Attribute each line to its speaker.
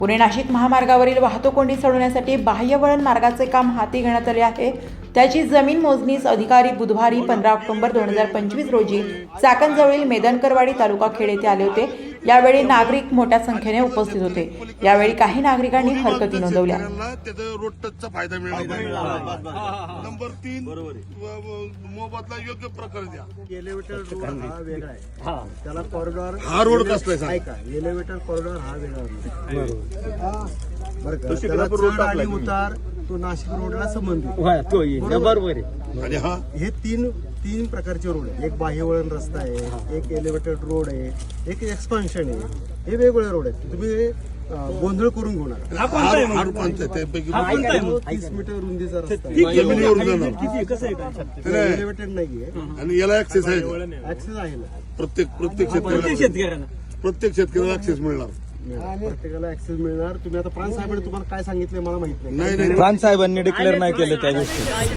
Speaker 1: पुणे नाशिक महामार्गावरील वाहतूक कोंडी सोडवण्यासाठी बाह्यवळण मार्गाचे काम हाती घेण्यात आले आहे। त्याची जमीन मोजणीस अधिकारी बुधवारी 15 ऑक्टोबर 2025 रोजी चाकणजवळील मेदनकरवाडी तालुका खेड येथे आले होते। यावेळी नागरिक मोठ्या संख्येने उपस्थित होते। यावेळी काही नागरिकांनी हरकती नोंदवल्या।
Speaker 2: रोड टचचा फायदा मिळाला। नंबर 3 मोबदला योग्य प्रकारे द्या।
Speaker 3: एलिव्हेटर रोड हा वेगळा आहे, त्याला कॉरिडॉर
Speaker 2: हा रोड कसला आहे
Speaker 3: का? एलिव्हेटर कॉरिडॉर हा वेगळा बरं का? त्याला चढ आणि उतार तो नाशिक रोडला संबंधित
Speaker 4: बरोबर आहे।
Speaker 2: आणि हा
Speaker 3: हे तीन प्रकारचे रोड आहे। एक बाह्यवळण रस्ता आहे, एक एलिव्हेटेड रोड आहे, एक एक्सपान्शन आहे। हे वेगवेगळे रोड आहेत। तुम्ही गोंधळ करून घेऊ नका।
Speaker 2: हा कोणता आहे? त्यापैकी
Speaker 3: 30 मीटर रुंदीचा रस्ता
Speaker 2: जमिनीवर जाणार
Speaker 3: एलिव्हेटेड नाहीये
Speaker 2: आणि याला ऍक्सेस आहे।
Speaker 3: ऍक्सेस आहे ना,
Speaker 2: प्रत्येक शेतकऱ्याला ऍक्सेस मिळणार।
Speaker 3: प्रत्येकाला ऍक्सेस मिळणार। तुम्ही आता प्राण साहेबांनी तुम्हाला काय सांगितलं मला माहित नाही।
Speaker 2: नाही
Speaker 4: प्राण साहेबांनी डिक्लेअर नाही केलं त्या गोष्टी।